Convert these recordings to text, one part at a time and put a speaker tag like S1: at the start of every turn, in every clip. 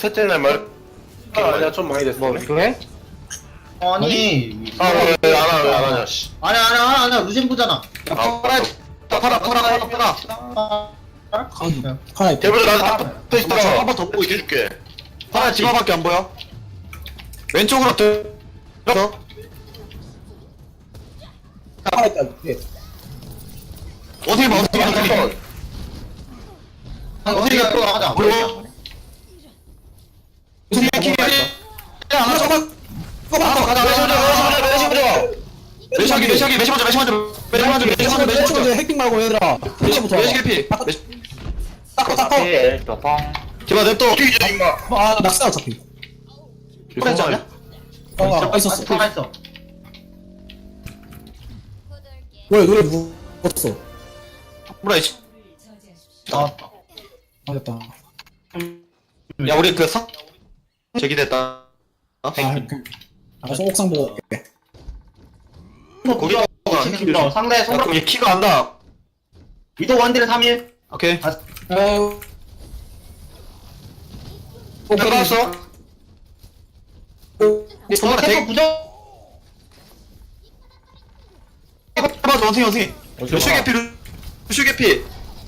S1: 셋째 날 말. 아니야 좀 많이 됐어.
S2: 그래?
S3: 아니.
S1: 왜안 하냐 씨.
S3: 아니야. 루젠 보잖아.
S2: 팔아.
S4: 카나
S1: 대부분 나한테 붙어 있어.
S2: 한 번 더 보고 있게.
S1: 해줄게.
S2: 팔아 집어밖에 안 보여. 왼쪽으로 들어.
S4: 카나 있다. 예.
S2: 어떻게 봐.
S3: 어디 가? 나가자.
S2: 무슨 얘기? 야, 안 하자. 가자. 매시 먼저.
S4: 핵핑 말고 얘들아. 매시부터.
S2: 매시 개피.
S4: 닦아.
S2: 기봐 냅둬.
S1: 뛰자 임마.
S4: 아, 낙사 어차피.
S2: 그랬지 않냐?
S4: 있었어.
S3: 살아있어.
S4: 왜 노래 누웠어?
S2: 뭐라
S3: 나왔다.
S4: 아, 됐다.
S2: 야, 우리 그 성 제기됐다.
S4: 소옥상 보고 올게.
S2: 거기가
S3: 상대
S2: 야,
S3: 손가락.
S2: 그럼 얘 키가 안다.
S3: 위도 원딜에 3일.
S2: 오케이.
S4: 아유.
S2: 들어갔어.
S3: 저거
S2: 되게-
S3: 캐터 부정.
S2: 해봐, 원숭이. 루슈 개피.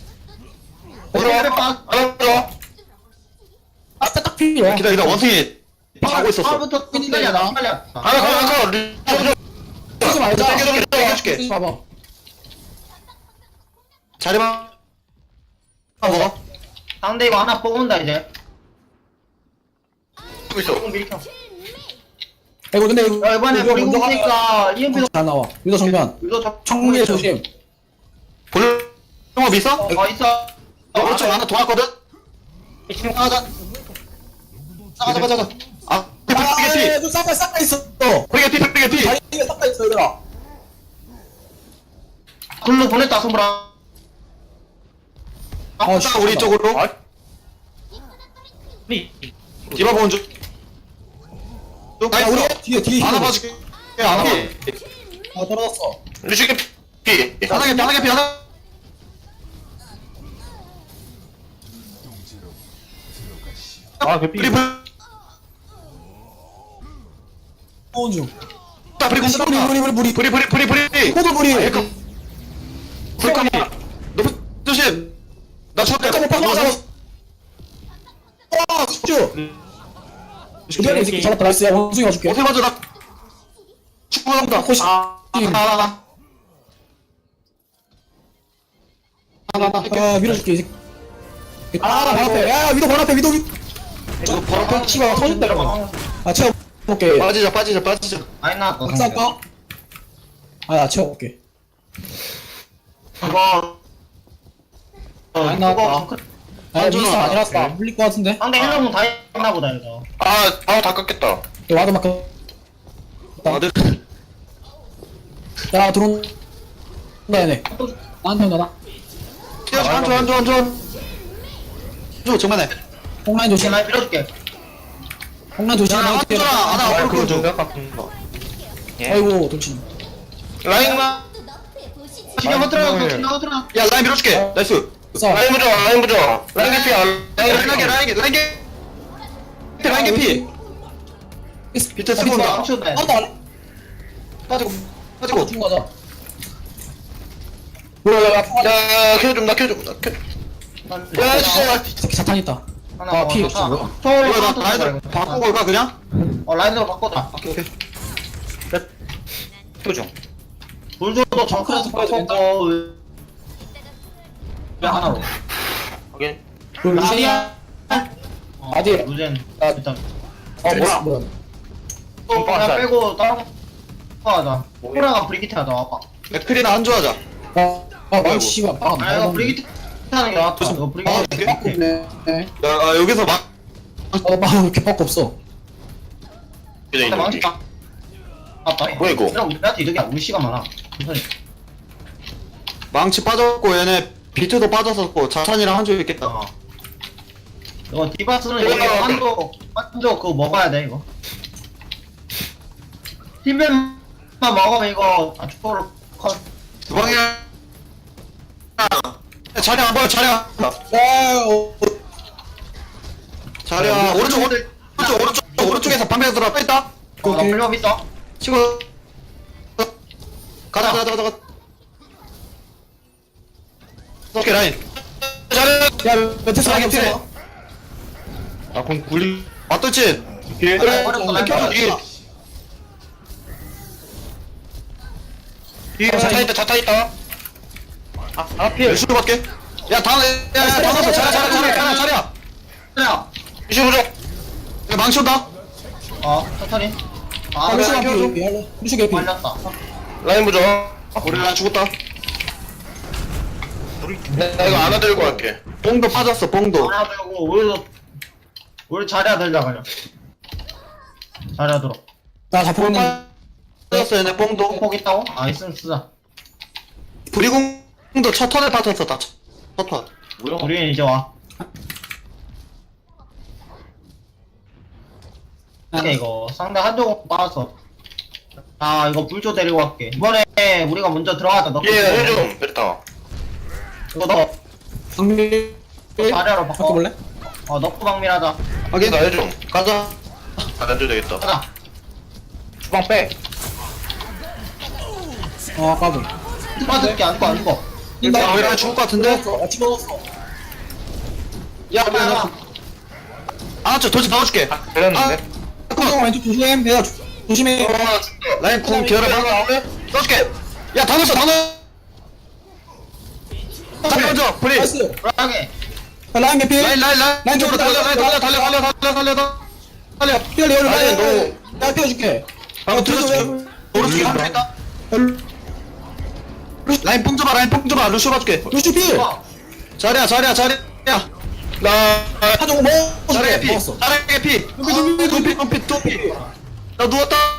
S3: 들어와.
S2: 알았어.
S4: 딱 필요해.
S2: 기다려, 원숭이 자고 있었어.
S3: 파부터 끝까지야. 나 빨리야.
S2: 가.
S4: 쓰지 말자.
S2: 땡겨줄게.
S4: 봐봐.
S2: 자리만 먹어.
S3: 상대 이거 하나 뽑는다 이제.
S1: 뛰고 있어.
S3: 조금 밀켜.
S4: 이거 근데
S3: 야 이번에
S4: 이거
S3: 우리
S4: 먼저
S3: 공니까 EMP도
S4: 잘 나와. 유도 정면.
S3: 위도
S4: 청문회 조심.
S2: 볼륨업 있어?
S3: 있어.
S2: 오른쪽 하나 도왔거든? 가자. 아, 개피.
S4: 너 싹다 있어.
S2: 개피.
S4: 다리에 싹다 있어 얘들아.
S3: 글로 보냈다 손브라.
S2: 딱 우리 쪽으로. 디바 보는 중.
S4: 아, 우리 뒤에
S2: 하나 봐줄게. 하나 봐.
S4: 아, 떨어졌어.
S1: 루시 개피.
S2: 하나 개피.
S1: 아 개피.
S2: 우리
S4: 호운 중.
S2: 브리 공수
S4: 우리.
S2: 브리.
S4: 호도 우리.
S2: 불감이. 높은 조심. 나 쳤다.
S4: 잠깐만, 와, 숙주. 이대로 이 새끼 잡았다. 나이스. 야, 원숭이 가줄게.
S2: 어떻게 맞아 나. 축구한다.
S4: 호시.
S2: 나.
S4: 아, 밀어줄게, 이 새끼. 아, 발 앞에. 야, 위도 발 앞에, 위도.
S2: 이거 바로
S4: 아, 치가 터진다, 이러면. 아, 채워볼게.
S2: 빠지자.
S3: 아니 나
S4: 박살까? 아, 나 채워볼게.
S3: 이거
S4: 아니, 나
S3: 그거
S4: 아, 미스 아니라서 안 불릴 것 같은데?
S3: 상대 힐러공 다 했나 보다 이거.
S1: 아 다 깎겠다.
S4: 와드 막.
S2: 아들.
S4: 야, 들어온다, 얘네. 나한테 온다,
S2: 한조. 정면에.
S4: 홍라인 조심.
S3: 나 밀어줄게.
S4: 홍라인 조심.
S2: 야, 한조라. 하나
S1: 그거 좀
S2: 좀.
S1: 깎은 거.
S4: 아이고, 돌진.
S1: 라인만.
S3: 신경 허들어. 신경 허들어.
S2: 야, 라인 밀어줄게. 나이스.
S4: 싸워.
S1: 라인 부져. 라인 개피야.
S2: 라인 개피. 비트 쓰고 온다.
S3: 멈춘다.
S4: 아무도 안 해?
S2: 빠지고.
S4: 죽은 거다. 뭐야,
S1: 야 켜줘 나 켜줘. 야 진짜.
S4: 이 새끼 사탄 있다.
S3: 하나
S4: 아, 피 없어, 뭐야.
S3: 초월로
S2: 이거 나 라인을 바꾸고 올까 그냥?
S3: 라인으로 바꿔다.
S2: 오케이.
S1: 켜줘.
S3: 불조도 정크에서 바꿔. 왜 하나로?
S1: 오케이.
S4: 그 루시야? 어디?
S3: 루젠.
S4: 아,
S3: 일단
S4: 뭐야?
S3: 또 그냥 빼고 다른 거 하자. 호라가 브리기트 하자. 와봐.
S2: 맥크리나 한조하자.
S4: 아, 씨발. 아,
S3: 아 이거 브리기트 하는 게 낫다. 이거
S2: 아,
S3: 브리기트.
S2: 그래?
S4: 네.
S2: 야, 여기서 막.
S4: 왜 이렇게 밖에 없어?
S3: 근데 망치 딱. 아빠.
S1: 뭐야, 이거?
S3: 그냥 우리한테 이득이야. 우리 시간 많아. 천천히.
S2: 망치 빠졌고 얘네 비트도 빠졌었고 자찬이랑 한조 있겠다.
S3: 어. 이거 디바스는 여기 한조 그거 먹어야 돼 이거. 팀벤만 먹으면 이거 축구로 컷.
S2: 주방이야. 자리 안 보여.
S4: 야,
S2: 자리야 오른쪽에서 방패 들어 뺐다.
S3: 나 불법 있어.
S2: 치고 가자. 오케이 라인. 자리.
S4: 야 매트 사기
S2: 피해.
S4: 없어.
S2: 아공 굴리. 맞돌진.
S3: 그래,
S2: 그래.
S3: 어렵다.
S2: 나 켜줘.
S1: 뒤에 자타 있다 자타 있다.
S2: 필. 수밖에. 야 다음. 야 다음 자리야.
S3: 그래요.
S1: 이슈 보자.
S2: 야 망치 온다.
S3: 천천히.
S4: 아
S2: 그래,
S4: 루슈가
S2: 켜줘.
S4: 피 할래? 루슈 개피.
S3: 말렸다.
S1: 라인 보자.
S2: 우리 라인 죽었다.
S1: 나 이거 안아 들고 갈게.
S2: 뽕도 빠졌어 뽕도.
S3: 하나 들고 우리 자리야 들자 그냥. 자리야 들어.
S4: 나 잡혔는데.
S2: 빠졌어 얘네 뽕도.
S3: 폭 있다고? 있으면 쓰자.
S2: 브리공도 첫 턴에 빠졌어 다. 첫 턴.
S3: 우리 이제 와. 이거 상대 한쪽 빠졌어. 이거 불조 데리고 갈게. 이번에 우리가 먼저 들어가자. 너
S1: 얘 해줘. 베르타.
S3: 이거 너
S4: 방미.
S3: 자리야로 바꿔.
S4: 바꿔볼래?
S3: 넣고 방밀하자.
S2: 확인.
S1: 나 해줘.
S2: 가자.
S1: 안 해도 되겠다.
S3: 가자.
S1: 주방 빼.
S4: 까불.
S3: 빠질게 안 죽어.
S2: 야 우리 라인 죽을 것 같은데.
S4: 집어넣었어.
S2: 야 우리 라인. 저 도지 박아줄게.
S1: 걸렸는데.
S4: 형 왼쪽 조심. 배야 조심해.
S2: 라인 궁 기어려봐. 써줄게. 야 다 넣었어 다 넣어. 자리 먼저 브리.
S4: 나이스.
S3: 불안하게.
S4: 라인 개피.
S2: 라인 쪽으로 달려.
S4: 피를 열어.
S2: 라인
S4: 내가 띄워줄게.
S2: 방금 들어줄게. 오른쪽에 한명 있다. 라인 뽕 줘봐 루시 봐줄게.
S4: 루슈 피.
S2: 자리야
S1: 나
S4: 하정
S2: 자리야
S4: 먹어줄게.
S2: 피
S4: 먹었어.
S2: 자리야 피. 둠피 나 누웠다.